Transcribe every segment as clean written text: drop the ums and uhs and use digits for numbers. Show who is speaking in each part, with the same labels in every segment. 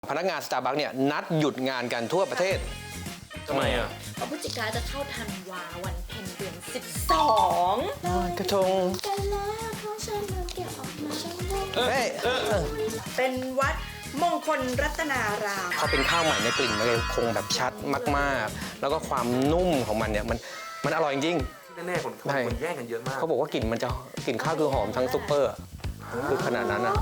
Speaker 1: พนักงานสตาร์บัคเนี่ยนัดหยุดงานกันทั่วประเทศ
Speaker 2: ทำไมอ่ะ
Speaker 3: เพราะพฤศจิกาจะเข้าธันวาวันเพ็ญเดือน12
Speaker 1: ลอยกระทง
Speaker 3: กันแล้วเขาฉันเก็บออกมาฉันได้
Speaker 1: เฮ้ย
Speaker 3: เป็นวัดมงคลรัตนาราม
Speaker 1: พอเป็นข้าวใหม่ในยกลิ่นมันเลยคงแบบชัดมากๆ แล้วก็ความนุ่มของมันเนี่ยมันอร่อยจริง
Speaker 2: แน่ๆคนแย่งกันเยอะมาก
Speaker 1: เขาบอกว่ากลิ่นมันจะกลิ่นข้าวคือหอมทั้งซุปเปอร์อะคือขนาดนั้นอ่ะ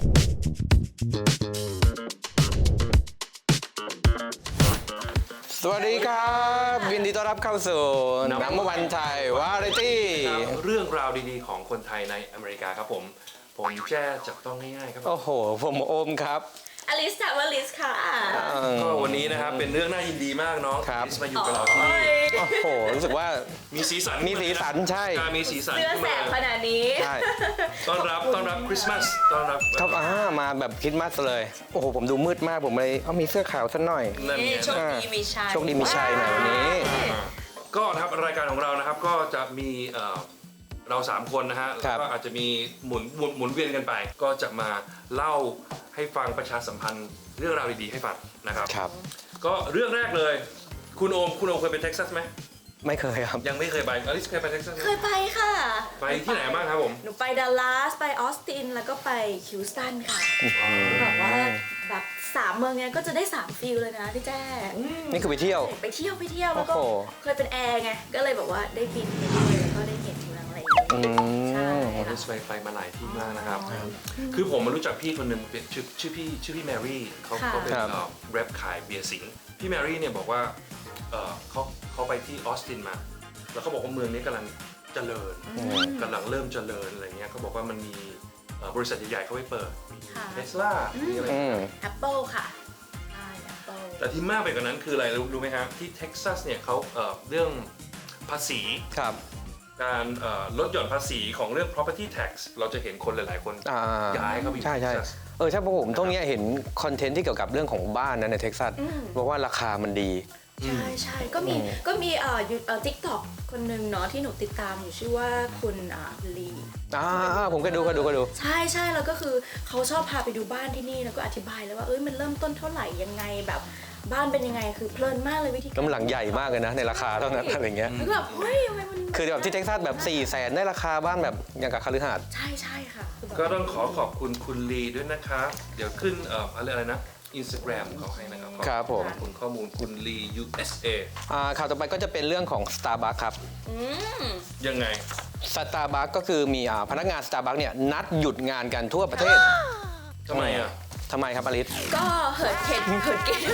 Speaker 1: สวัสดีครับยินดีต้อนรับเข้าสู่นัมเบอร์วันไทยวาไรตี้
Speaker 2: เรื่องราวดีๆของคนไทยในอเมริกาครับผมแจ้จับต้องง่ายๆครับ
Speaker 1: โอ้โห ผมโอมครับ
Speaker 3: อลิสจากวลิสค่ะ
Speaker 2: ก็วันนี้นะครับเป็นเรื่องน่ายินดีมากน้อง
Speaker 1: ครับ
Speaker 2: ลิสมาอยู่กับเราที่นี่
Speaker 1: โอ้โห รู้สึกว่า
Speaker 2: มีสีสัน
Speaker 1: มีสีสันใช่
Speaker 2: มีสีสัน
Speaker 3: เสื้อ
Speaker 2: ขึ้น
Speaker 3: แส
Speaker 2: มา
Speaker 3: บขนาดนี้
Speaker 1: ใช่
Speaker 2: ต้อนรับคริสต์มาสต้อนรับ
Speaker 1: ครับมาแบบคริสต์มาสเลย โอ้โห ผมดูมืดมากผมเลยมีเสื้อขาวสักหน่อย
Speaker 2: นั่นไง
Speaker 3: โชคดีมีชัย
Speaker 1: โชคดีมีชัยหน่อยวันนี้
Speaker 2: ก็นะครับรายการของเรานะครับก็จะมีเรา3คนนะฮะ
Speaker 1: ครั
Speaker 2: แล้ว
Speaker 1: บ
Speaker 2: ก็อาจจะมีหมุนเวียนกันไป ก็จะมาเล่าให้ฟังประชาสัมพันธ์เรื่องราวดีๆให้ฟังนะครับ
Speaker 1: ครับ
Speaker 2: ก็เรื่องแรกเลย คุณโอมเคยไปเท็กซัสไหม
Speaker 1: ไม่เคยครับ
Speaker 2: ยังไม่เคยไปอลิสเคยไปเท็กซัสไหม
Speaker 3: เคยไปค่ะ
Speaker 2: ไปที่ไหนบ้างครับผม
Speaker 3: หนูไปดัลลัสไปออสตินแล้วก็ไปฮิวสตันค่ะแบบว่าแบบ3 เมืองเนี้ยก็จะได้3ฟีลเลยนะพี่แจ้
Speaker 1: นี่คือไปเที่ยว
Speaker 3: ไปเที่ยวแล้วก็
Speaker 1: โอ้โห
Speaker 3: เคยเป็นแอร์ไงก็เลยแบบว่าได้บินไปด้วยแล้วก็ได้เห็นเมืองอะไรอย่างเงี้ย
Speaker 1: อื
Speaker 3: ใช่
Speaker 1: ม
Speaker 2: อลิสไปมาหลายที่มากนะครับ คือผมมารู้จักพี่คนหนึ่งเป็นชื่อพี่แมรี่เขาเป็นแรปขายเบียร์สิงห์พี่แมรี่เนี่ยบอกว่าเขาไปที่ออสตินมา แล้วเขาบอกว่าเมืองนี้กำลังเจริญกำลังเริ่มเจริญอะไรเงี้ยเขาบอกว่ามันมีบริษัทใหญ่ๆเขาไปเปิดมี
Speaker 3: ค่ะ
Speaker 2: เทสลามีอะไร
Speaker 1: อืม
Speaker 3: Apple ค่ะใช่ Apple
Speaker 2: แต่ที่มากไปกว่านั้นคืออะไรรู้ไหมครับที่เท็กซัสเนี่ยเขาเรื่องภาษี
Speaker 1: ครับ
Speaker 2: การลดหย่อนภาษีของเรื่อง property tax เราจะเห็นคนหลายๆคน
Speaker 1: อ่า
Speaker 2: ย้ายเข้าไปอยู่
Speaker 1: ใช่
Speaker 2: เท็กซัส
Speaker 1: ใช่เพราะผมตรงเนี้ยเห็นคอนเทนต์ที่เกี่ยวกับเรื่องของบ้านนะในเท็กซัสบอกว่าราคามันดี
Speaker 3: ใช่ก็มีTikTok คนหนึ่งเนาะที่หนูติดตามอยู่ชื่อว่าคุณลี
Speaker 1: ผมก็ดู
Speaker 3: ใช่แล้วก็คือเขาชอบพาไปดูบ้านที่นี่แล้วก็อธิบายเลยว่ามันเริ่มต้นเท่าไหร่ยังไงแบบบ้านเป็นยังไงคือเพลินมากเลยวิธี
Speaker 1: กำลังใหญ่มากเลยนะในราคาเท่านั้นอะไรเงี้ย
Speaker 3: แล้วก็แบบเฮ้ยทำไมมัน
Speaker 1: คือแบบที่เท็กซัสแบบ400,000ได้ราคาบ้านแบบอย่างกับคฤหาสน์
Speaker 3: ใช่ค่ะคือแบบ
Speaker 2: ก็ต้องขอบคุณคุณลีด้วยนะครับ เดี๋ยวขึ้นอะไรนะ Instagram เขาให้นะครับ
Speaker 1: ครับผม
Speaker 2: ขอบคุณข้อมูลคุณลี USA
Speaker 1: ข่าวต่อไปก็จะเป็นเรื่องของ Starbucks ครับ
Speaker 2: ยังไง
Speaker 1: Starbucks ก็คือมีพนักงาน Starbucks เนี่ยนัดหยุดงานกันทั่วประเทศ
Speaker 2: ทำไมอ่ะ
Speaker 1: ทำไมครับอลิส
Speaker 3: ก็เหิดเกม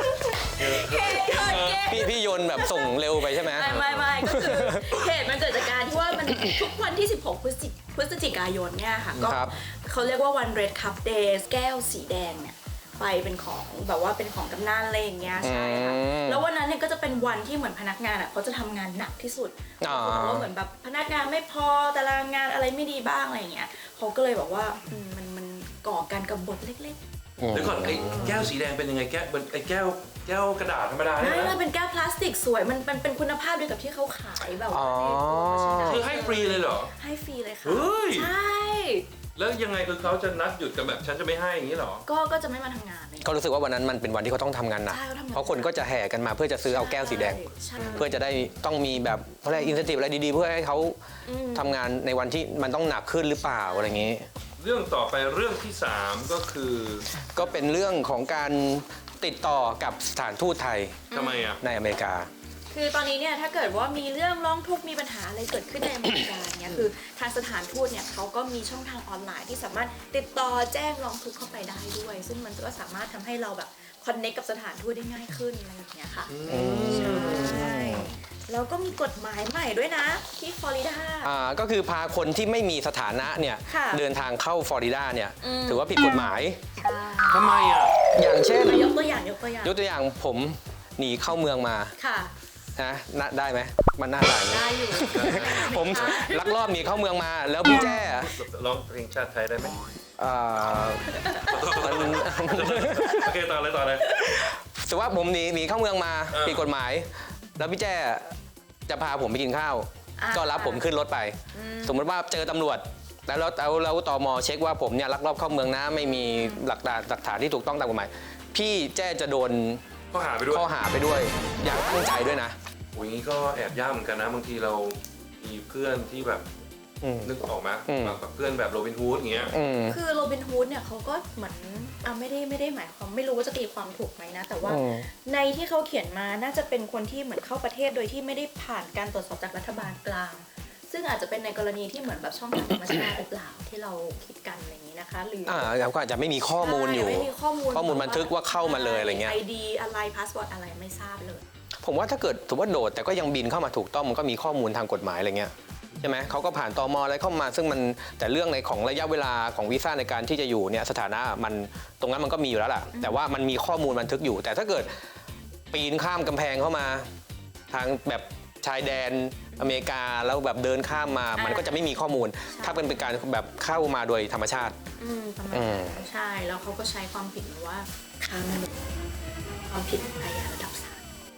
Speaker 1: พี่โยนแบบส่งเร็วไปใช่ไหม
Speaker 3: ไม่ก็คือเหตุมันเกิดจากการที่ว่ามันทุกวันที่ 16 พฤศจิกายนเนี่ยค่ะก็เขาเรียกว่าวัน Red Cup Days แก้วสีแดงเนี่ยไปเป็นของแบบว่าเป็นของกำนันอะไรอย่างเงี้ยใช่ค่ะแล้ววันนั้นเนี่ยก็จะเป็นวันที่เหมือนพนักงานอ่ะเขาจะทำงานหนักที่สุดเพราะว่าเหมือนแบบพนักงานไม่พอตารางงานอะไรไม่ดีบ้างอะไรอย่างเงี้ยเขาก็เลยบอกว่ามันก่อการกบฏเล็กๆ
Speaker 2: เดี๋ยวก่อนไอ้แก้วสีแดงเป็นยังไงไอ้แก้วกระดาษธรรมดาเนี่ย
Speaker 3: ไม่
Speaker 2: นะ
Speaker 3: มันเป็นแก้วพลาสติกสวยมันเป็นคุณภาพเดียวกับที่เขาขายแบบว่า
Speaker 2: คือให้ฟรีเลยเหรอ
Speaker 3: ให้ฟรีเลยค่ะ
Speaker 2: เฮ้ย
Speaker 3: ใช่
Speaker 2: แล้วยังไงคือเขาจะนัดหยุดกันแบบฉันจะไม่ให้อย่างนี้เหรอ
Speaker 3: ก็จะไม่มาทำงานเลย
Speaker 1: ก็รู้สึกว่าวันนั้นมันเป็นวันที่เขาต้องทำงานหนัก
Speaker 3: ใช่เขาทำงาน
Speaker 1: เพราะคนก็จะแห่กันมาเพื่อจะซื้อเอาแก้วสีแดง
Speaker 3: ใช่
Speaker 1: เพื่อจะได้ต้องมีแบบอะไรอินเซนティブอะไรดีๆ เพื่อให้เขาทำงานในวันที่มันต้องหนักขึ้นหรือเปล่าอะไรอย่างนี้
Speaker 2: เรื่องต่อไปเรื่องที่ 3 ก็คือ
Speaker 1: ก็เป็นเรื่องของการติดต่อกับสถานทูตไทย
Speaker 2: ทำไมอ่ะ
Speaker 1: ในอเมริกา
Speaker 3: คือตอนนี้เนี่ยถ้าเกิดว่ามีเรื่องร้องทุกข์มีปัญหาอะไรเกิดขึ้นในอเมริกาเนี่ยคือทางสถานทูตเนี่ยเขาก็มีช่องทางออนไลน์ที่สามารถติดต่อแจ้งร้องทุกข์เข้าไปได้ด้วย ซึ่งมันก็สามารถทำให้เราแบบคอนเนคกับสถานทูตได้ง่ายขึ้นอะไรอย่างเงี้ยค่ะใช่แล้วก็มีกฎหมายใหม่ด้วยนะที่ฟลอริดา
Speaker 1: ก็คือพาคนที่ไม่มีสถานะเนี่ย
Speaker 3: ค่ะ
Speaker 1: เดินทางเข้าฟลอริดาเนี่ยถือว่าผิดกฎหมาย
Speaker 2: ทำไมอ่ะ
Speaker 1: อย่างเช่น
Speaker 3: ยกตัวอย่าง
Speaker 1: ยกตัวอย่างผมหนีเข้าเมืองมา
Speaker 3: ค่ะ
Speaker 1: นะได้ไหมมันน่าได้ไหม
Speaker 3: ได้อยู่
Speaker 1: ผมลักลอบหนีเข้าเมืองมาแล้วพี่แจ้
Speaker 2: ร้องเพลงชาติไทยได้ไหม
Speaker 1: อ่ามัน
Speaker 2: โอเคต่อเลย
Speaker 1: แต่ว่าผมหนีเข้าเมืองมาผิดกฎหมาย แล้วพี่แจ้จะพาผมไปกินข้าว ก็รับผมขึ้นรถไป สมมติว่าเจอตำรวจ แล้วตมเช็คว่าผมเนี่ยลักลอบเข้าเมืองนะไม่มีหลักฐานที่ถูกต้องตามกฎหมายพี่แจ้จะโดน
Speaker 2: ก็หาไปด้วย
Speaker 1: ข้อหาไปด้วย อย่างตั้งใจด้วยนะ
Speaker 2: โอ้ยงี้ก็แอบยากเหมือนกันนะบางทีเรามีเพื่อนที่แบบ
Speaker 1: อืม
Speaker 2: นึกออกไหม
Speaker 1: อืม
Speaker 2: แบบเพื่อนแบบโรบินฮูดอย่างเงี้ย
Speaker 1: อืม
Speaker 3: คือโรบินฮูดเนี่ยเขาก็เหมือนไม่ได้หมายความไม่รู้ว่าจะตีความถูกไหมนะ แต่ว่า
Speaker 1: อืม
Speaker 3: ในที่เขาเขียนมาน่าจะเป็นคนที่เหมือนเข้าประเทศโดยที่ไม่ได้ผ่านการตรวจสอบจากรัฐบาลกลาง ซึ่งอาจจะเป็นในกรณีที่เหมือนแบบช่องทางธรรมชาติหรือเปล่าที่เราคิดกันอะไรอย่างนี้นะคะ หรืออ
Speaker 1: แล้วก็อาจจะไม่มีข้อมูลอยู่
Speaker 3: ไม่มีข้อมูล
Speaker 1: ข้อมูลบันทึกว่าเข้ามาเลยอะไรเงี้ย
Speaker 3: ID อะไรพาสเวิร์ดอะไรไม่ทราบเลย
Speaker 1: ผมว่าถ้าเกิดสมมติว่าโดดแต่ก็ยังบินเข้ามาถูกต้องมันก็มีข้อมูลทางกฎหมายอะไรเงี้ยใช่ไหมเขาก็ผ่านตมอะไรเข้ามาซึ่งมันแต่เรื่องในของระยะเวลาของวีซ่าในการที่จะอยู่เนี่ยสถานะมันตรงนั้นมันก็มีอยู่แล้วล่ะแต่ว่ามันมีข้อมูลบันทึกอยู่ แต่ถ้าเกิดปีนข้ามกำแพงเข้ามาทางแบบชายแดนอเมริกาแล้วแบบเดินข้ามมามันก็จะไม่มีข้อมูล ถ้าเป็นการแบบเข้ามาโดยธรรมชาติ
Speaker 3: ประมาณนั้นใช่แล้วเขาก็ใช้ความผิดมาว่าค้ามนุษย์ความผิดอาญาระดับ3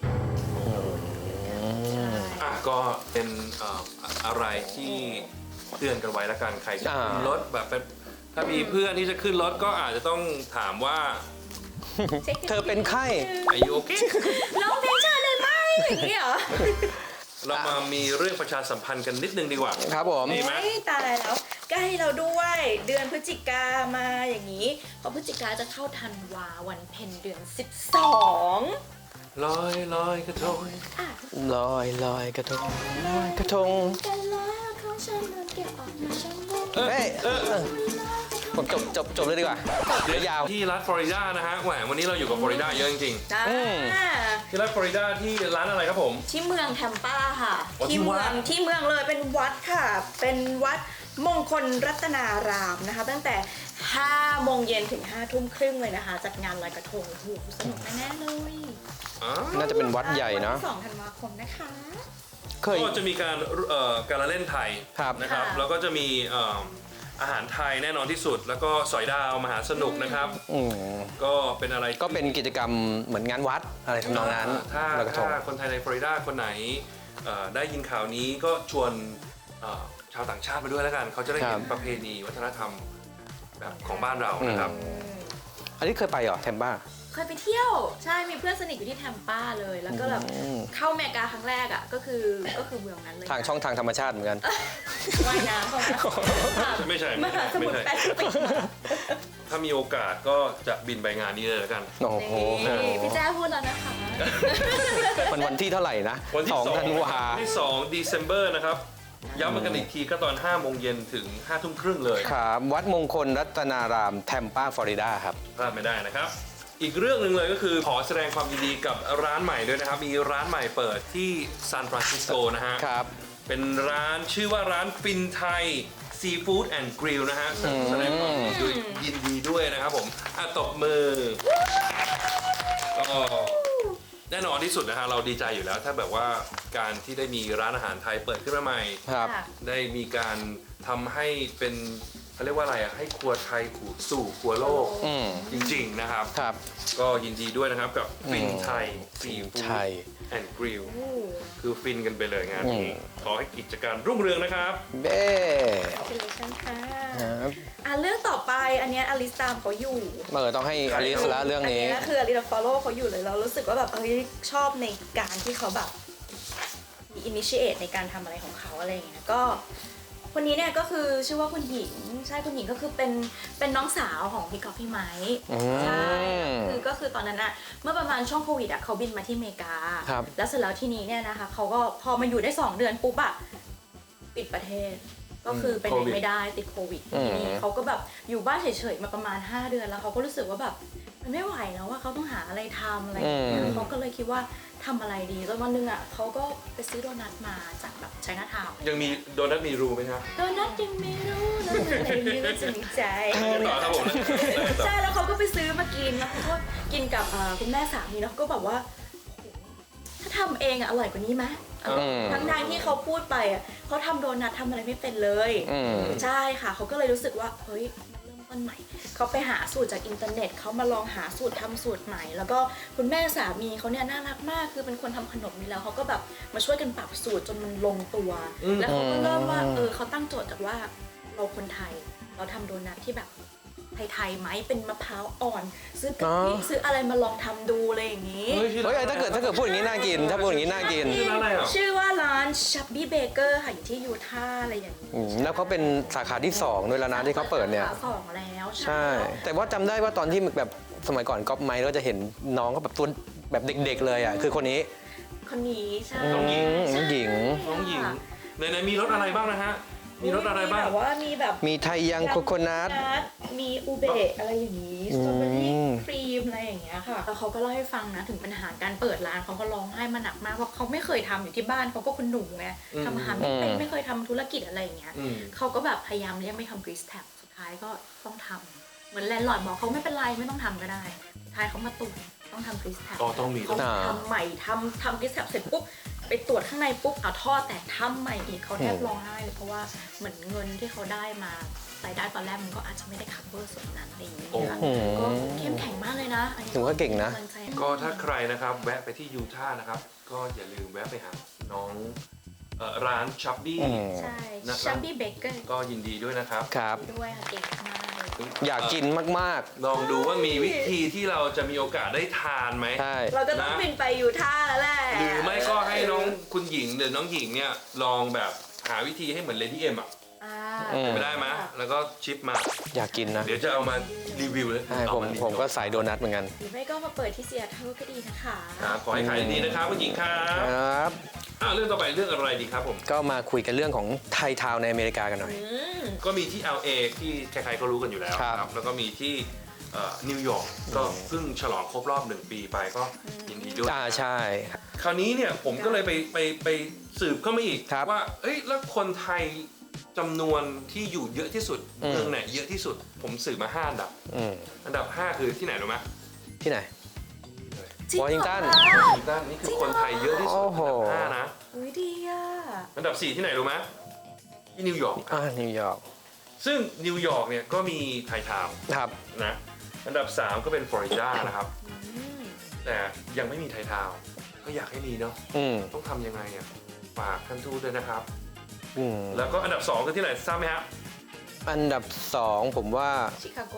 Speaker 3: ใช่
Speaker 2: ก็เป็นอะไรที่เตือนกันไว้แล้วกันใครจะขึ้นรถแบบเป็นถ้ามีเพื่อนที่จะขึ้นรถก็อาจจะต้องถามว่า
Speaker 1: เธอเป็นไข้
Speaker 2: อายุโอเค
Speaker 3: ร้องเพลงชาติได้ไหมอย่างนี้เหรอ
Speaker 2: เรามามีเรื่องประชาสัมพันธ์กันนิดนึงดีกว่า
Speaker 1: ครับผม
Speaker 2: ดีไหม
Speaker 3: โอ้ยตายแล้วใกล้เราด้วยเดือนพฤศจิกามาอย่างนี้เพราะพฤศจิกาจะเข้าธันวาวันเพ็ญเดือน 12
Speaker 2: ลอยกระทง
Speaker 3: อ่ะ
Speaker 1: ลอยกระทงลอยกระทง
Speaker 3: กันแล้วเขาฉันมันเก็บออกมาฉันไม่
Speaker 1: เฮ้ยผมจบเลยดีกว่าเดี๋ยวยาว
Speaker 2: ที่รัฐฟลอริดานะฮะแหมวันนี้เราอยู่กับฟลอริดาเยอะจริง
Speaker 3: จ้า
Speaker 2: ๆที่รัฐฟลอริดาที่ร้านอะไรครับผม
Speaker 3: ที่เมืองแทมปาค่ะ
Speaker 2: อ๋อที่วัด
Speaker 3: ที่เมืองเลยเป็นวัดค่ะ เป็นวัดมงคลรัตนารามนะคะ ตั้งแต่ 5 โมงเย็นถึง 5 ทุ่มครึ่งเลยนะคะ จัดงานลอยกระทงโอ้โหสนุกแน่ๆเลย
Speaker 1: น่าจะเป็นวัดใหญ่เนาะ
Speaker 3: วัที่2 ธันวาคมนะคะ
Speaker 1: เคย
Speaker 2: ก็จะมีการละเล่นไทย
Speaker 1: ครับ
Speaker 2: นะครับ
Speaker 3: ค่ะ
Speaker 2: แล้วก็จะมีอาหารไทยแน่นอนที่สุด แล้วก็สอยดาวมหาสนุกนะครับ
Speaker 1: อืม
Speaker 2: ก็เป็นอะไรที่
Speaker 1: ก็เป็นกิจกรรมเหมือนงานวัดอะไรทำนองนั้น
Speaker 2: ถ้า
Speaker 1: ลอยกระทง
Speaker 2: คนไทยในฟลอริดาคนไหนได้ยินข่าวนี้ก็ชวนชาวต่างชาติไปด้วยแล้วกัน เขาจะได้เห็นประเพณีวัฒนธรรมแบบของบ้านเรานะครับ
Speaker 1: อันนี้เคยไปเหรอแทมบ้า
Speaker 3: เคยไปเที่ยวใช่มีเพื่อนสนิทอยู่ที่แทมปาเลย แล้วก็แบบเข้าอเมริกาครั้งแรกอ่ะก็คือเมืองนั้นเลย
Speaker 1: ทางช่องทางธรรมชาติเหมือนกัน
Speaker 3: ว่ายน้ำเข้ามา
Speaker 2: ไม่ใช่
Speaker 3: มหาสมุทรแปซิฟิก
Speaker 2: ถ้ามีโอกาสก็จะบินไปงานนี้เลยแล้วกัน
Speaker 1: โอ้โห
Speaker 3: นี่พี่แจ้พูดแล้วนะคะ
Speaker 1: มันวันที่เท่าไหร่นะ
Speaker 2: วันที่
Speaker 1: 2 ธันวา
Speaker 2: ที่2 December นะครับ ย้ำกันอีกทีก็ตอน 5 โมงเย็นถึง 5 ทุ่มครึ่งเลย
Speaker 1: ครับ วัดมงคลรัตนารามแทมปาฟลอริดาครับ
Speaker 2: พลาดไม่ได้นะครับ อีกเรื่องหนึ่งเลยก็คือขอแสดงความยินดีกับร้านใหม่ด้วยนะครับ มีร้านใหม่เปิดที่ซานฟรานซิสโกนะฮะ
Speaker 1: ครับ
Speaker 2: เป็นร้านชื่อว่าร้านฟินไทยซีฟู้ดแอนด์กริลนะฮะแสดงความยินดีด้วยนะครับผมตบมือก็แน่นอนที่สุดนะฮะเราดีใจอยู่แล้ว ถ้าแบบว่าการที่ได้มีร้านอาหารไทยเปิดขึ้นมาใหม่
Speaker 1: ครับ
Speaker 2: ได้มีการทำให้เป็นเขาเรียกว่าอะไรให้ครัวไทยสู่ครัวโลก
Speaker 1: อืม
Speaker 2: จริงๆนะครับ
Speaker 1: ครับ
Speaker 2: ก็ยินดีด้วยนะครับกับฟินไทยซีฟู้
Speaker 1: ไท
Speaker 2: ด
Speaker 1: ย
Speaker 2: แอนด์กริล
Speaker 3: โอ้
Speaker 2: คือฟินกันไปเลยงานนี้ขอให้กิจการรุ่งเรืองนะครับ
Speaker 1: เบ้
Speaker 3: congratulations ค่ะ
Speaker 1: ครับ
Speaker 3: เรื่องต่อไปอันเนี้ยอลิสตามเขาอยู่
Speaker 1: ต้องให้อลิสละเรื่องนี้
Speaker 3: อันนี้คืออลิส follow เขาอยู่เลยเรารู้สึกว่าแบบชอบในการที่เขาแบบมี initiate ในการทำอะไรของเขาอะไรอย่างเงี้ยก็คนนี้เนี่ยก็คือชื่อว่าคุณหญิงใช่คุณหญิงก็คือเป็นน้องสาวของพี่กอล์ฟพี่ไม้ใช่ก็คือตอนนั้นอะเมื่อประมาณช่วงโควิดอะเขาบินมาที่อเมริกา
Speaker 1: ครับ
Speaker 3: แล้วเสร็จแล้วทีนี้เนี่ยนะคะเขาก็พอมาอยู่ได้2 เดือนปุ๊บอะปิดประเทศ ก็คือไปไหนไม่ได้ติดโควิดทีนี้เขาก็แบบอยู่บ้านเฉยๆมาประมาณ5 เดือนแล้วเขาก็รู้สึกว่าแบบมันไม่ไหวแล้วว่าเขาต้องหาอะไรทำอะไรอย่างเงี้ยเขาก็เลยคิดว่าทำอะไรดีจนวันหนึงอ่ะเขาก็ไปซื้อโดนัทมาจากแบบไชน่าทาวน์
Speaker 2: ยังมีโดนัทมีรูไหมครับ
Speaker 3: โดนัทยังไม่รู้นะอะไรนี้ก็จะมีใจ
Speaker 2: ต่อครับผม
Speaker 3: ใช่แล้วเขาก็ไปซื้อมากินแล้วเขาก็กินกับคุณแม่สามีแล้วเขาก็แบบว่าโหถ้าทำเองอ่ะอร่อยกว่านี้ไหมทั้งที่เขาพูดไปอ่ะเขาทำโดนัททำอะไรไม่เป็นเลยใช่ค่ะเขาก็เลยรู้สึกว่าเฮ้ยเริ่มต้นใหม่เขาไปหาสูตรจากอินเทอร์เน็ตเขามาลองหาสูตรทำสูตรใหม่ แล้วก็คุณแม่สามีเขาเนี่ยน่ารักมากคือเป็นคนทำขนมนี่แล้วเขาก็แบบมาช่วยกันปรับสูตรจนมันลงตัว แล้วเขาก็เริ่มว่าเขาตั้งโจทย์จากว่าเราคนไทยเราทำโดนัทที่แบบไทยๆไหมเป็นมะพร้าวอ่อนซื้อกะทิซื้ออะไรมาลองทำดูอะไรอย่างนี้
Speaker 2: เฮ้ยชื่อ
Speaker 1: เฮ้ย
Speaker 2: ร้าน
Speaker 1: ถ้าเกิดพูดอย่างนี้น่ากิน ถ้าพูดอย่างนี้น่ากิน
Speaker 2: ชื่อร้านอะไรอ่ะ
Speaker 3: ชื่อว่าร้านชับบี้เบเกอร์ค่ะอยู่ที่ยูทาห์อะไรอย่างนี้
Speaker 1: แล้วเขาเป็นสาขาที่2ด้วยแล้วนะที่เขาเปิดเนี่ย
Speaker 3: สาขาสองแล้ว
Speaker 1: ใช่ แต่ว่าจำได้ว่าตอนที่แบบสมัยก่อนก๊อปไมค์เราจะเห็นน้องก็แบบตัวแบบเด็กๆเลยอ่ะ คือคนนี้
Speaker 3: คนนี้ใช่
Speaker 2: น้องหญิง
Speaker 1: น้องหญิง
Speaker 2: น้องหญิงในมีรสอะไรบ้างนะฮะมีรสอะไรบ้าง
Speaker 3: แบบว่ามีแบบ
Speaker 1: มีไทยยังโคโคนัท
Speaker 3: มีอูเบะอะไรอย่างนี้สตรอเบอรี่ครีมอะไรอย่างเงี้ยค่ะแล้วเขาก็เล่าให้ฟังนะถึงปัญหาการเปิดร้านเขาก็ร้องไห้มาหนักมากเพราะเขาไม่เคยทำอยู่ที่บ้านเขาก็คนหนุ่มไงทำอาหารไม่เป็นไม่เคยทำธุรกิจอะไรอย่างเงี้ย
Speaker 2: อืม
Speaker 3: เขาก็แบบพยายามเลี่ยงไม่ทำกรีซแท็บสุดท้ายก็ต้องทำเหมือนแลนด์ลอร์ดบอกเขาไม่เป็นไรไม่ต้องทำก็ได้สุดท้ายเขามาตรวจต้องทำกรีซแท็บ
Speaker 2: อ๋อต้องมี
Speaker 3: เขาทำใหม่ทำกรีซแท็บเสร็จปุ๊บไปตรวจข้างในปุ๊บเอาท่อแตกทำใหม่อีกเขาแทบร้องไห้เลยเพราะว่าเหมือนเงินที่เขาได้มารายได้ตอนแรกมันก็อาจจะไม่ได้ cover ส่วนนั้นอะไรอย่างเงี้ยค่ะก็เข้มแข็งมากเลยนะอันนี้
Speaker 1: ถือว่าเก่งนะ
Speaker 3: กำลัใจ
Speaker 2: ก็ถ้าใครนะครับแวะไปที่ยูทาห์นะครับ ก็อย่าลืมแวะไปหาน้องร้านชับบี้
Speaker 3: ใช่
Speaker 2: นะครับ
Speaker 3: ชับบี้เบเกอร์
Speaker 2: ก็ยินดีด้วยนะครับ
Speaker 1: ครับ
Speaker 3: ด้วยค่ะเก่งมากเลย
Speaker 1: อยากกินมาก
Speaker 2: ลองดูว่ามีวิธีที่เราจะมีโอกาสได้ทานไหม
Speaker 1: ๆ ใช่
Speaker 3: เราก็ต้องบินไปยูทาห์แล้วแหละ
Speaker 2: หรือไม่ก็ให้น้องคุณหญิงหรือน้องหญิงเนี่ยลองแบบหาวิธีให้เหมือนเลดี้เอ็มอ่ะ
Speaker 3: อ่า
Speaker 2: ไม่ได้ไหมแล้วก็ชิปมา
Speaker 1: อยากกินนะ
Speaker 2: เดี๋ยวจะเอามารีวิวเลย
Speaker 1: ใช่ผมก็สายโดนัทเหมือนกัน
Speaker 3: หรือไม่ก็มาเปิดที่เซียเทิลก็ดีนะคะ
Speaker 2: ครับขอให้ขายดีนะครับคุณหญิงครั
Speaker 1: ค
Speaker 2: บ
Speaker 1: รับ
Speaker 2: เรื่องต่อไปเรื่องอะไรดีครับผม
Speaker 1: ก็มาคุยกันเรื่องของไทยทาวน์ในอเมริกากันหน่อย
Speaker 2: ก็มีที่ LA ที่ใครๆก็รู้กันอยู่แล้ว
Speaker 1: ครับ
Speaker 2: แล้วก็มีที่นิวยอร์กก็เพิ่งฉลองครบรอบ1 ปีไปก็ยินดีด้วย
Speaker 1: ใช่
Speaker 2: คราวนี้เนี่ยผมก็เลยไปสืบเข้ามาอีก
Speaker 1: ครับ
Speaker 2: ว่าเอ้ยแล้วคนไทยจำนวนที่อยู่เยอะที่สุด
Speaker 1: อืม
Speaker 2: เมืองไหนเยอะที่สุด ผมสืบมา5 อันดับ
Speaker 1: อืม
Speaker 2: อันดับ 5 คือที่ไหนรู้ไหม
Speaker 1: ที่ไหน
Speaker 3: จริงเหรอ
Speaker 1: วอชิงตัน
Speaker 3: คะ
Speaker 2: อีกด้านนี้คือคนไทยเยอะที่สุด
Speaker 1: โอ้โห
Speaker 2: อันดับ5นะ
Speaker 3: อุ้ยดีอ่ะ
Speaker 2: อันดับ 4 ที่ไหนรู้ไหมที่นิวยอร์ก
Speaker 1: นิวยอร์ก
Speaker 2: ซึ่งนิวยอร์กเนี่ยก็มีไทยทาวน์
Speaker 1: ครับ
Speaker 2: นะอันดับ 3 ก็เป็นฟลอริดานะครับ
Speaker 3: อืม
Speaker 2: แต่ยังไม่มีไทยทาวน์ก็อยากให้มีเนาะ
Speaker 1: อืม
Speaker 2: ต้องทำยังไงอ่ะฝากท่านทูตด้วยนะครับ
Speaker 1: อืม
Speaker 2: แล้วก็อันดับ 2 คือที่ไหนทราบไหมฮะ
Speaker 1: อันดับ 2 ผมว่า
Speaker 3: ชิคาโก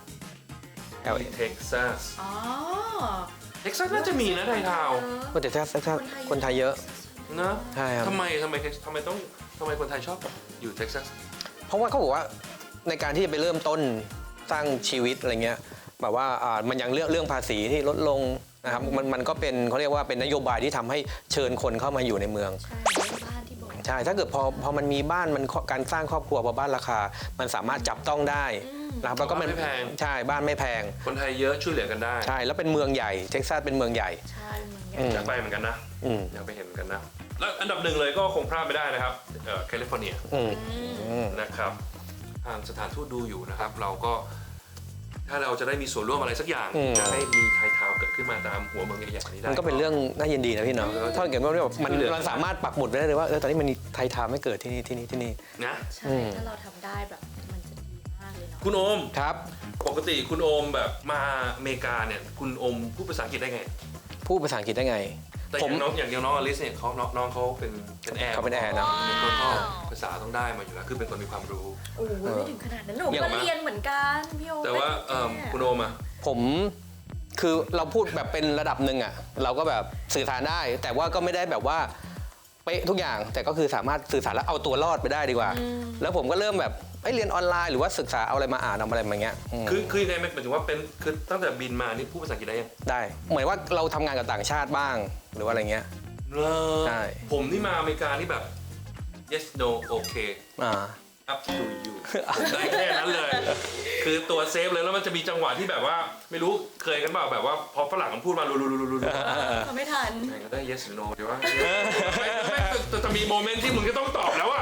Speaker 1: LA
Speaker 2: เท็กซัส
Speaker 3: อ๋อ
Speaker 2: เท็กซัสน่าจะมีนะไทยทาวน์
Speaker 1: ก็แต่ถ้าคนไทยเยอะ
Speaker 2: นะ
Speaker 1: ใช่ครับ
Speaker 2: ทำไมคนไทยชอบอยู่เท็กซัส
Speaker 1: เพราะว่าเขาบอกว่าในการที่จะไปเริ่มต้นสร้างชีวิตอะไรเงี้ยแบบว่ามันยังเรื่องภาษีที่ลดลงนะครับมันก็เป็นเขาเรียกว่าเป็นนโยบายที่ทำให้เชิญคนเข้ามาอยู่ในเมือง
Speaker 3: ใช่เรื่องบ้านที่บอก
Speaker 1: ใช่ถ้าเกิดพอมันมีบ้านมันการสร้างครอบครัวพอบ้านราคา มันสามารถจับต้องได้นะครับแล้วก็มัน
Speaker 2: บ้านไม่แพง
Speaker 1: ใช่บ้านไม่แพง
Speaker 2: คนไทยเยอะช่วยเหลือกันได้
Speaker 1: ใช่แล้วเป็นเมืองใหญ่เท็กซัสเป็นเมืองใหญ่
Speaker 3: ใช่เหมือนกั
Speaker 1: อื
Speaker 3: น
Speaker 1: ม
Speaker 2: อยากไปเหมือนกันนะ
Speaker 1: อืม
Speaker 2: อยากไปเห็นเหมือนกันนะ แล้วอันดับ 1เลยก็คงพลาดไม่ได้นะครับแคลิฟอร์เนีย
Speaker 1: อืม
Speaker 2: นะครับทางสถานทูตดูอยู่นะครับ เราก็ถ้าเราจะได้มีส่วนร่วมอะไรสักอย่างจะให้มีไทยทาวน์เกิดขึ้นมาตามหัวเมืองใหญ่ๆนี้ได้
Speaker 1: มันก็เป็นเรื่องน่ายินดีนะพี่เนาะถ้าเกิดว่าแบบมัน
Speaker 2: ช่วยเหลือ
Speaker 1: เราสามารถปักหมุดไว้ได้เลยว่าตอนนี้มันมีไทยทาวน์ไม่เกิดที่นี่
Speaker 2: นะ
Speaker 3: ใช่ถ้าเราทำได้แบบมันจะดีมากเลยเนาะ
Speaker 2: คุณโอม
Speaker 1: ครับ
Speaker 2: ปกติคุณโอมแบบมาอเมริกาเนี่ยคุณโอมพูดภาษาอังกฤษได้ไง
Speaker 1: พูดภาษาอังกฤษได้ไง
Speaker 2: แต่อย่างน้องอลิสเนี่ยน้องเขาเป็นแอร์
Speaker 1: เขาเป็นแอร์นะ
Speaker 2: ก็ภาษาต้องได้มาอยู่แล้วคือเป็นคนมีความรู้
Speaker 3: โอ้ยไม่ถึงขนาดนั้นหนู
Speaker 2: เดี๋ยว
Speaker 3: ก็
Speaker 2: มา
Speaker 3: เรียนเหมือนกันพี่โอ
Speaker 2: แต่ว่าคุณโอมอะ
Speaker 1: ผมคือเราพูดแบบเป็นระดับหนึ่งอ่ะเราก็แบบสื่อสารได้ แต่ว่าก็ไม่ได้แบบว่าเป๊ะทุกอย่าง แต่ก็คือสามารถสื่อสารแล้วเอาตัวรอดไปได้ดีกว่า แล้วผมก็เริ่มแบบเรียนออนไลน์หรือว่าศึกษาเอาอะไรมาอ่านเอาอะไรมาเงี้ยม
Speaker 2: คือยังไงหมายถึงว่าเป็นคือตั้งแต่บินมานี่พูดภาษาอังกฤษได้ยัง
Speaker 1: ได้เหมือนว่าเราทำงานกับต่างชาติบ้างหรือว่าอะไรเงี้ย ใช่
Speaker 2: ผมนี่มาอเมริกานี่แบบ yes no okay
Speaker 1: อ่า
Speaker 2: up to you ได้แค่นั้นเลย คือตัวเซฟเลยแล้วมันจะมีจังหวะที่แบบว่าไม่รู้เคยกันเปล่าแบบว่าพอฝรั่งมันพูดมาลุลุๆ
Speaker 3: ทำไม่ทัน
Speaker 2: ก็ได้ yes or no เดี๋ยวว่าไม่จะมีโมเมนต์ที่มึงก็ต้องตอบแล้วอะ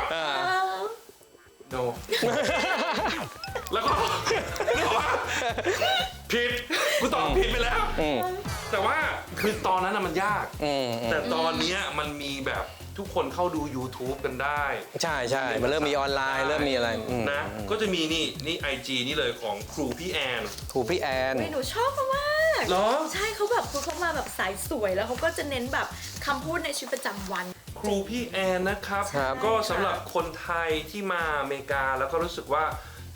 Speaker 2: no แล้วก็บอกว่าผิดกูตอบผิดไปแล้ว แต่ว่าคือตอนนั้นน่ะมันยาก แต่ตอนเนี้ยมันมีแบบทุกคนเข้าดู YouTube กันได้
Speaker 1: ใช่มันเริ่มมีออนไลน์เริ่มมีอะไร
Speaker 2: นะ ก็จะมีนี่ IG นี่เลยของครูพี่แอน
Speaker 1: ครูพี่แอน
Speaker 3: หนูชอบมาก
Speaker 2: เหรอ
Speaker 3: ใช่เขาแบบเขามาแบบสายสวยแล้วเขาก็จะเน้นแบบคำพูดในชีวิตประจำวัน
Speaker 2: ครูพี่แอนนะครับ
Speaker 1: ครับ
Speaker 2: ก็สำหรับคนไทยที่มาอเมริกาแล้วก็รู้สึกว่าจะ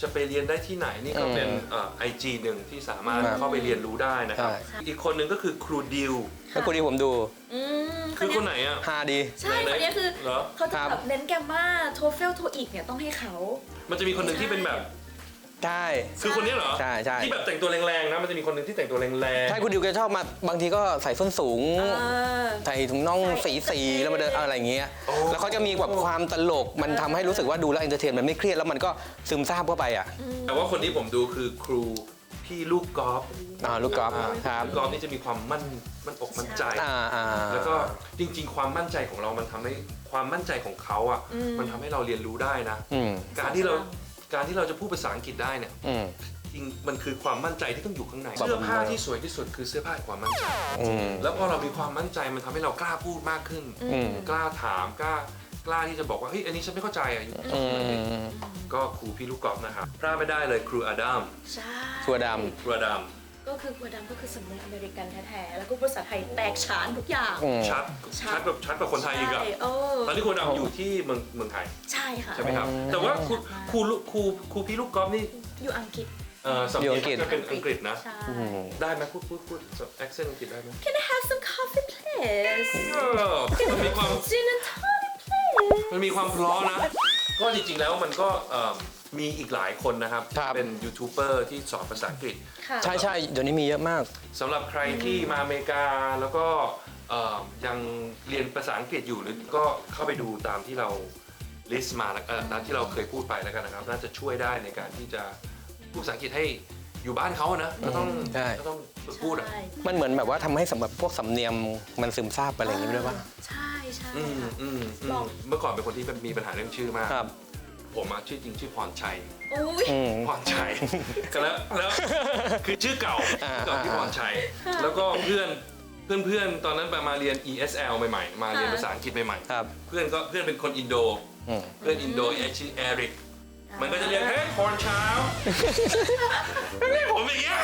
Speaker 2: จะไปเรียนได้ที่ไหนนี่ก็เป็นIG หนึ่งที่สามารถเข้าไปเรียนรู้ได้นะครับ อีกคนหนึ่งก็คือครูดิว
Speaker 1: แล้วกูดีผมดู
Speaker 2: คือคนไหนอ่ะ
Speaker 1: ฮาดี
Speaker 3: ใช่คนนี้คือ
Speaker 2: เหรอ
Speaker 3: เขาจะแบบเน้นแกมมาโทเฟลโทอีกเนี่ยต้องให้เขา
Speaker 2: มันจะมีคนหนึ่งที่เป็นแบบ
Speaker 1: ใช่
Speaker 2: คือคนนี้เหรอ
Speaker 1: ใช่ใช่
Speaker 2: ที่แบบแต่งตัวแรงๆนะมันจะมีคนหนึ่งที่แต่งตัวแรง
Speaker 1: ใช่คุณดิวแกชอบมาบางทีก็ใส่ส้นสูง ใส่ถุงน่องสีแล้วมาเดินอะไรอย่างเงี้ยแล้วเขาจะมีแบบความตลกมันทำให้รู้สึกว่าดูแล้วเอนเตอร์เทนมันไม่เครียดแล้วมันก็ซึมซาบเข้าไปอ่ะ
Speaker 2: ๆแต่ว่าคนที่ผมดูคือครูพี่ลูกกอล์ฟ
Speaker 1: ลูกกอล์ฟครับ
Speaker 2: ลูกกอล์ฟนี่จะมีความมั่นอกมั่นใจ แล้วก็จริงๆ ความมั่นใจของเรามันทำให้ความมั่นใจของเขาอ่ะมันทำให้เราเรียนรู้ได้นะ การที่เราจะพูดภาษาอังกฤษได้เนี่ยจริงมันคือความมั่นใจที่ต้องอยู่ข้างในเสื้อผ้าที่สวยที่สุดคือเสื้อผ้าแห่งความมั่นใจ แล้วพอเรามีความมั่นใจมันทำให้เรากล้าพูดมากขึ้น กล้าถามกล้าที่จะบอกว่าเฮ้ยอันนี้ฉันไม่เข้าใจอ่ะก็ครูพี่ลูกกอล์ฟนะครับพลาดไม่ได้เลยครูอดัม
Speaker 3: ใช่
Speaker 1: ชัวด
Speaker 2: ครูอดัม
Speaker 3: ก็คือครูดำก็คือสำเนียงอเมริกันแท้ๆแล้วก็ภาษาไทยแตกฉานทุกอย่าง
Speaker 2: ชัดกว่าคนไทยอีกอะ
Speaker 3: ใช่
Speaker 2: ตอนนี้ครูอดัมอยู่ที่เมืองไทย
Speaker 3: ใช่ค่ะ
Speaker 2: ใช่ไหมครับแต่ว่าครูพี่ลูกกอล์ฟนี่
Speaker 3: อยู่อังกฤษ
Speaker 2: สำเนียงจะเป็นอังกฤษนะ
Speaker 3: ใช่
Speaker 2: ได้ไหมพูดแอคเซนต์อังกฤษได้ไหม
Speaker 3: Can I have some coffee please
Speaker 2: มันมีความ
Speaker 3: Gin and tonic please
Speaker 2: มันมีความเพราะนะ ก็จริงๆแล้วมันก็มีอีกหลายคนนะครับ เป็นยูทูบเบอร์ที่สอนภาษาอังกฤษ
Speaker 3: ค่ะ
Speaker 1: ใช่ใช่เดี๋ยวนี้มีเยอะมาก
Speaker 2: สำหรับใครที่มาอเมริกาแล้วก็ยังเรียนภาษาอังกฤษอยู่หรือก็เข้าไปดูตามที่เราลิสต์มาตามที่เราเคยพูดไปแล้วกันนะครับ น่าจะช่วยได้ในการที่จะพูดภาษาอังกฤษให้อยู่บ้านเขานะก็ต้องฝึกพูดอ่ะ
Speaker 3: ใช่
Speaker 1: มันเหมือนแบบว่าทำให้สำหรับพวกสำเนียงมันซึมซาบไปอะไรอย่างนี้ด้วยป่ะ
Speaker 3: ใช่ใช่
Speaker 2: บอก เมื่อก่อนเป็นคนที่มีปัญหาเรื่องชื่อมาก
Speaker 1: ครับ
Speaker 2: ผมชื่อจริงชื่อพรชัย
Speaker 3: อุ้ย
Speaker 2: พรชัยแล้วคือชื่อเก่าที่พรชัย แล้วก็เพื่อนตอนนั้นมาเรียน ESL ใหม่ๆมาเรียนภาษาอังกฤษใหม่
Speaker 1: ครับ
Speaker 2: ๆเพื่อนเป็นคนอินโดเพื่อนอินโดชื่อเอริกมันก็จะเรียกเฮ้ยพรเช้าเรียกผมอย่างเงี้ย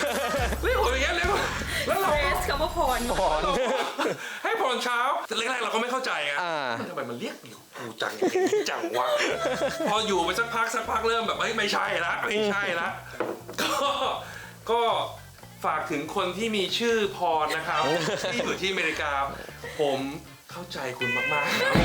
Speaker 2: แล้วเรา
Speaker 3: เฟสคำว่าพร
Speaker 2: ให้พรเช้าแต่แรกๆเราก็ไม่เข้าใจไงทำไมมันเรียกกูจังวะพออยู่ไปสักพักเริ่มแบบไม่ใช่ละก็ฝากถึงคนที่มีชื่อพรนะครับที่อยู่ที่อเมริกาผมเข้าใจคุณมาก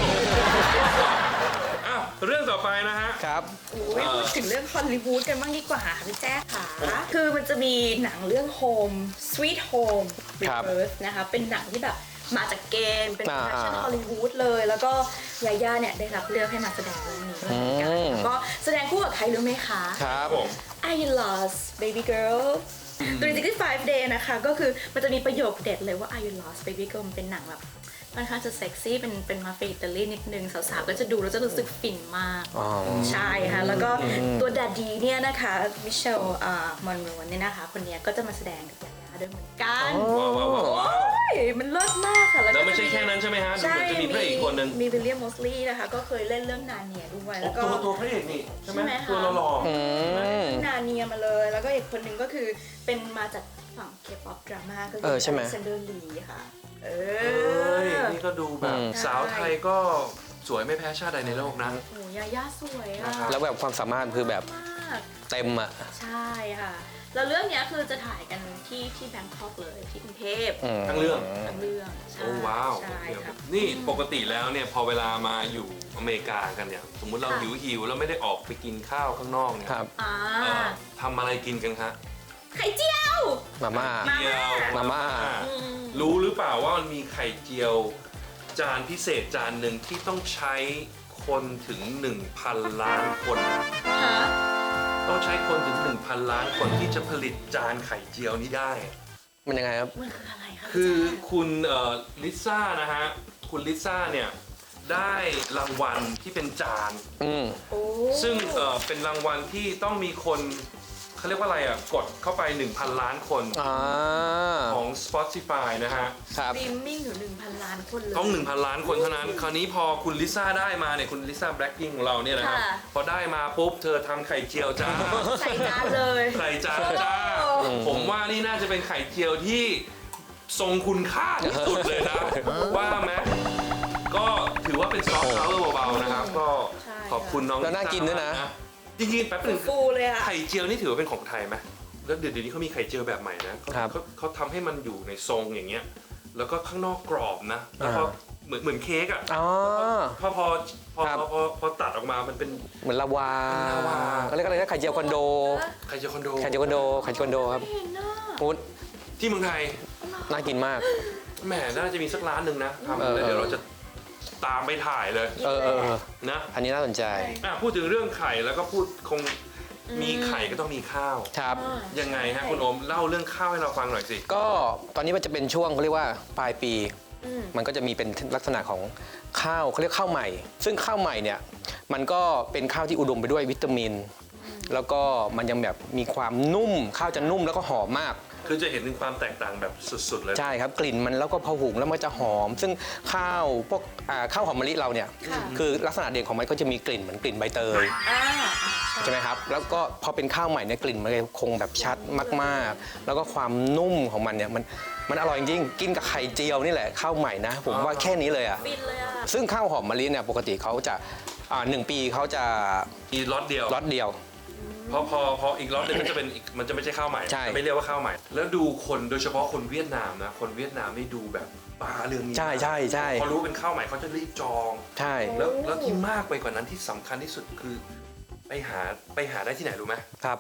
Speaker 2: ๆอ้าวเรื่องต่อไปนะฮะ
Speaker 1: ครับ
Speaker 3: อุ้ยพูดถึงเรื่องฮอลลีวูดกันบ้างดีกว่าค่ะพี่แจ๊คค่ะ คือมันจะมีหนังเรื่อง Home Sweet Home
Speaker 1: ครับ
Speaker 3: Reverse นะคะ เป็นหนังที่แบบมาจากเกม เป็นโปรดักชั่น
Speaker 1: อ่า
Speaker 3: ฮอลลีวูดเลย แล้วก็ยาย่าเนี่ยได้รับเลือกให้มาแสดงเรื่องนี้ด้วยเหมือนกันแล้วก็แสดงคู่กับใครรู้ไหมคะ
Speaker 1: ครับ
Speaker 2: ผม
Speaker 3: I lost baby girl 365 day นะคะ ก็คือมันจะมีประโยคเด็ดเลยว่า I lost baby girl มันเป็นหนังแบบค่อนข้างจะเซ็กซี่เป็นมาเฟียอิตาลีนิดนึงสาวๆก็จะดูแล้วจะรู้สึกฟินมาก ใช่ค่ะ แล้วก็ตัวดาดีเนี่ยนะคะมิเชลมอนโรนเนี่ยนะคะ คนเนี้ยก็จะมาแสดงกับยาย่าด้วยเหมือนกัน
Speaker 2: ว้าว
Speaker 3: โอ้ยมันเลิศมากค่ะ
Speaker 2: แล้วไม่ใช่แค่นั้นใช่ไหมฮะดู
Speaker 3: ใช่
Speaker 2: เหมือนจะมีพระเอกอีกคนนึง
Speaker 3: มีวิลเลียมมอสลีย์นะคะ ก็เคยเล่นเรื่องนาเนียด้วยแล้วก็
Speaker 2: ตัวพระเอกนี่ใช่ไหม
Speaker 3: ใช่ไหมคะ
Speaker 2: ตัวหล่อ
Speaker 3: นาเนียมาเลย แล้วก็อีกคนหนึ่งก็คือเป็นมาจากฝั่งเคป๊อปดราม่าก็
Speaker 1: ใช่ไหม
Speaker 3: เซนเดอร์ลีค่ะ
Speaker 2: เอ้ยนี่ก็ดูแบบสาวไทยก็สวยไม่แพ้ชาติใดในโลกนะ
Speaker 3: โอ้ยาย่าสวยอะ
Speaker 1: แล้วแบบความสามารถคือแบบ
Speaker 3: มาก
Speaker 1: เต็มอ่ะ
Speaker 3: ใช่ค่ะ แล้วเรื่องเนี้ยคือจะถ่ายกันที่แบงคอกเลยที่กรุงเทพ
Speaker 2: ทั้งเรื่อง
Speaker 3: ทั้งเรื่องใช่
Speaker 2: โอ้ว้าว
Speaker 3: ใช่ค่ะ
Speaker 2: นี่ปกติแล้วเนี่ยพอเวลามาอยู่อเมริกากันเนี่ยสมมุติเราหิวแล้วไม่ได้ออกไปกินข้าวข้างนอกเนี่ย
Speaker 1: ครับ
Speaker 3: อ่า
Speaker 2: ทำอะไรกินกันคะ
Speaker 3: ไข่เจียว
Speaker 1: มาม่า
Speaker 2: เจียว
Speaker 1: มาม่า
Speaker 2: รู้หรือเปล่าว่ามันมีไข่เจียวจานพิเศษจานหนึ่งที่ต้องใช้คนถึง 1,000 ล้านคน
Speaker 3: ฮะ
Speaker 2: ต้องใช้คนถึง 1,000 ล้านคนที่จะผลิตจานไข่เจียวนี้ได้
Speaker 1: มันยังไงครับ
Speaker 3: มันคืออะไรคะ
Speaker 2: คือ
Speaker 3: พี่แจ๊ค
Speaker 2: คุณลิซ่านะฮะ คุณลิซ่าเนี่ยได้รางวัลที่เป็นจาน
Speaker 3: โอ้
Speaker 2: ซึ่งเป็นรางวัลที่ต้องมีคนเขาเรียกว่าอะไรอ่ะ กดเข้าไป 1,000 ล้านคนของ Spotify นะฮะ
Speaker 1: ครับ
Speaker 3: สตรีมมิ่งอยู่ 1,000 ล้านคนเลย
Speaker 2: ต้อง 1,000 ล้านคนเท่านั้น คราวนี้พอคุณลิซ่าได้มาเนี่ย คุณลิซ่าแบล็คพิงของเราเนี่ยนะครับ
Speaker 3: ค่ะ
Speaker 2: พอได้มาปุ๊บ เธอทำไข่เจียวจ้า
Speaker 3: ใส่จานเลย
Speaker 2: ไข่จานจ้า ผมว่านี่น่าจะเป็นไข่เจียวที่ทรงคุณค่าที่สุดเลยนะ ว่าไหมก็ถือว่าเป็นซอฟต์พาวเวอร์เบาๆนะครับ ก็ขอบคุณน้อง
Speaker 1: แล้วน่ากินด้วยนะ
Speaker 2: จริงๆแป๊บนึง
Speaker 3: ฟูเลยอะ
Speaker 2: ไข่เจียวนี่ถือว่าเป็นของไทยไหมแล้วเดี๋ยวนี้เขามีไข่เจียวแบบใหม่นะเขาทำให้มันอยู่ในทรงอย่างเงี้ยแล้วก็ข้างนอกกรอบนะแล้วก็เหมือนเค้กอ่ะ
Speaker 1: อ๋อ
Speaker 2: พอตัดออกมามันเป็น
Speaker 1: เหมือนลาวา
Speaker 2: เป็นลาวา
Speaker 1: เขาเรียกอะไรนะไข่เจียวคอนโด
Speaker 2: ไข่เจียวคอนโด
Speaker 1: ไข่เจียวคอนโดไข่เจียวคอนโดครับ
Speaker 3: เห็นน่ะ
Speaker 1: อุ๊ย
Speaker 2: ที่เมืองไทย
Speaker 1: น่ากินมาก
Speaker 2: แหมน่าจะมีสักร้านหนึ่งนะทำแล้วเดี๋ยวเราจะตามไปถ่ายเลย
Speaker 1: เออ
Speaker 2: นะ
Speaker 1: อันนี้น่าสนใจ
Speaker 2: พูดถึงเรื่องไข่แล้วก็พูดคงมีไข่ก็ต้องมีข้าว
Speaker 1: ครับ
Speaker 2: ยังไงฮะคุณโอมเล่าเรื่องข้าวให้เราฟังหน่อยสิ
Speaker 1: ก็ตอนนี้มันจะเป็นช่วงเขาเรียกว่าปลายปี
Speaker 3: อืม
Speaker 1: มันก็จะมีเป็นลักษณะของข้าวเขาเรียกข้าวใหม่ ซึ่งข้าวใหม่เนี่ยมันก็เป็นข้าวที่อุดมไปด้วยวิตามิน แล้วก็มันยังแบบมีความนุ่ม ข้าวจะนุ่มแล้วก็หอมมาก
Speaker 2: คือจะเห็นถึงความแตกต่างแบบสุดๆเลย
Speaker 1: ใช่ครับกลิ่นมันแล้วก็พอหุงแล้วมันจะหอม ซึ่งข้าวพวกข้าวหอมมะลิเราเนี่ย
Speaker 3: ค่ะ
Speaker 1: คือลักษณะเด่นของมันก็จะมีกลิ่นเหมือนกลิ่นใบเตย
Speaker 3: อ่า
Speaker 1: ใช่ไหมครับแล้วก็พอเป็นข้าวใหม่เนี่ยกลิ่นมันคงแบบชัดมากๆ แล้วก็ความนุ่มของมันเนี่ยมันอร่อยจริงๆกินกับไข่เจียวนี่แหละข้าวใหม่นะผมว่าแค่นี้เลยอ่ะ
Speaker 3: ฟินเลยอะ
Speaker 1: ซึ่งข้าวหอมมะลิเนี่ยปกติเขาจะ1 ปีเขาจะ
Speaker 2: มีล็อตเดียว
Speaker 1: ล็อตเดียว
Speaker 2: พออีกล็อตหนึงมันจะเป็นอีกมันจะไม่ใช่ข้าวใหม่
Speaker 1: ใช่
Speaker 2: จะไม่เรียกว่าข้าวใหม่ แล้วดูคนโดยเฉพาะคนเวียดนามนะคนเวียดนามนี่ดูแบบตาเรืองนี้
Speaker 1: ใช่ใช่ใช่
Speaker 2: พอรู้เป็นข้าวใหม่เขาจะรีบจอง
Speaker 1: ใช่
Speaker 2: แล้วที่มากไปกว่านั้นที่สำคัญที่สุดคือไปหาได้ที่ไหนรู้ไหม
Speaker 1: ครับ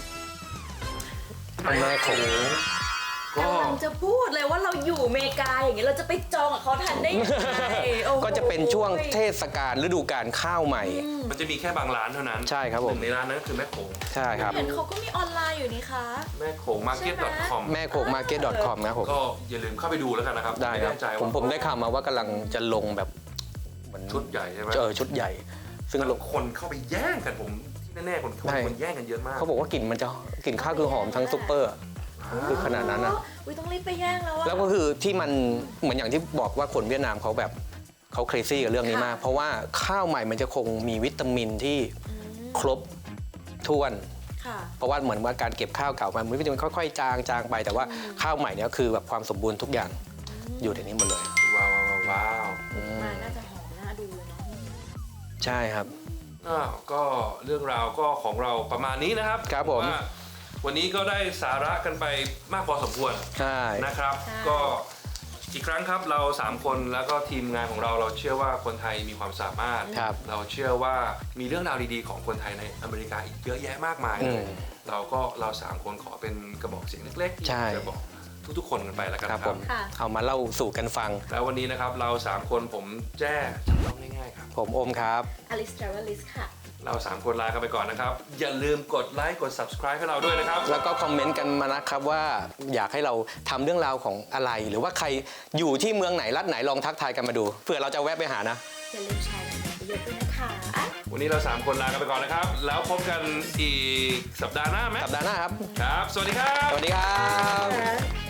Speaker 1: แม่โขง
Speaker 2: ก็
Speaker 3: กำลังจะพูดเลยว่าเราอยู่อเมริกาอย่างเงี้ยเราจะไปจองกับเขาทันได้ยังไงโอ้โห
Speaker 1: ก็จะเป็นช่วงเทศกาลฤดูกาลข้าวใหม่
Speaker 2: มันจะมีแค่บางร้านเท่านั้น
Speaker 1: ใช่ครับผม
Speaker 2: หนึ่งในร้านนั้นก็คือแม่โขง
Speaker 1: ใช่ครับ
Speaker 3: เห็นเขาก็มีออนไลน์อยู่นี่คะ
Speaker 2: แม่โขง market.com
Speaker 1: แม่โขง market.com นะครับผม
Speaker 2: ก็อย่าลืมเข้าไปดูแล้วกันนะครับ
Speaker 1: ได้ครับ
Speaker 2: ม่แน่ใจ
Speaker 1: ผม
Speaker 2: ว่า
Speaker 1: ผมได้ข่าวมาว่ากำลังจะลงแบบเหมือน
Speaker 2: ชุดใหญ่ใช่ไหม
Speaker 1: ชุดใหญ่ ซึ่ง
Speaker 2: แล้ว
Speaker 1: ลง
Speaker 2: คนเข้าไปแย่งกันผมที่แน่ๆคน
Speaker 1: ใช่
Speaker 2: แย่งกันเยอะมาก
Speaker 1: เขาบอกว่ากลิ่นมันจะกลิ่นข้าวคือหอมทั้งซุปเปอร์อะคือขนาดนั้นนะ
Speaker 3: อุ้ยต้องรีบไปแย่งแล้วอะ
Speaker 1: แล้วก็คือที่มันเหมือนอย่างที่บอกว่าคนเวียดนามเขาแบบเขาเครซี่กับเรื่องนี้มาก
Speaker 3: ค่ะ
Speaker 1: เพราะว่าข้าวใหม่มันจะคงมีวิตามินที่ครบถ้วน
Speaker 3: ค่ะ
Speaker 1: เพราะว่าเหมือนว่าการเก็บข้าวเก่ามันวิตามินค่อยๆจางไปแต่ว่าข้าวใหม่เนี่ยคือแบบความสมบูรณ์ทุกอย่างอยู่ในนี้หมดเลย
Speaker 2: ว้าว
Speaker 3: มาน่าจะหอมน่าดูเลยเนาะ
Speaker 1: ใช่ครับ
Speaker 2: ก็เรื่องราวก็ของเราประมาณนี้นะครับ
Speaker 1: ครับผม
Speaker 2: ว่าวันนี้ก็ได้สาระกันไปมากพอสมควร
Speaker 1: ใช่
Speaker 2: นะครับ ก็อีกครั้งครับเรา 3 คนแล้วก็ทีมงานของเราเชื่อว่าคนไทยมีความสามารถ
Speaker 1: ครับ
Speaker 2: เราเชื่อว่ามีเรื่องราวดีๆของคนไทยในอเมริกาอีกเยอะแยะมากมายเลยเรา 3 คนขอเป็นกระบอกเสียงเล็กๆที่
Speaker 1: ใช่
Speaker 2: จะบอกทุกๆคนกันไปแล้วกัน
Speaker 1: ครับ
Speaker 2: ค
Speaker 1: ผ
Speaker 2: รับ
Speaker 1: ม
Speaker 3: ค่ะ
Speaker 1: เอามาเล่าสู่กันฟัง
Speaker 2: แล้ววันนี้นะครับเรา 3 คนผมแจ้จำต้องง่ายๆครับ
Speaker 1: ผมโอมครับ
Speaker 3: Alice Travelis ค่ะ
Speaker 2: เรา 3 คนลากันไปก่อนนะครับ อย่าลืมกดไลค์กด subscribe ให้เราด้วยนะครับ
Speaker 1: แล้วก็คอมเมนต์กันมานะครับว่าอยากให้เราทำเรื่องราวของอะไร หรือว่าใครอยู่ที่เมืองไหนรัฐไหนลองทักทายกันมาดูเผื่อเราจะแวะไปหานะ
Speaker 3: อย่าลืมแชร์กันเยอะๆด้วยนะคะ
Speaker 2: วันนี้เรา 3 คนลากันไปก่อนนะครับ แล้วพบกันอีกสัปดาห์หน้าไหม
Speaker 1: สัปดาห์หน้าครับ
Speaker 2: ครับ สวัสดีครับ
Speaker 1: สวัสดีครับ
Speaker 3: ค่ะ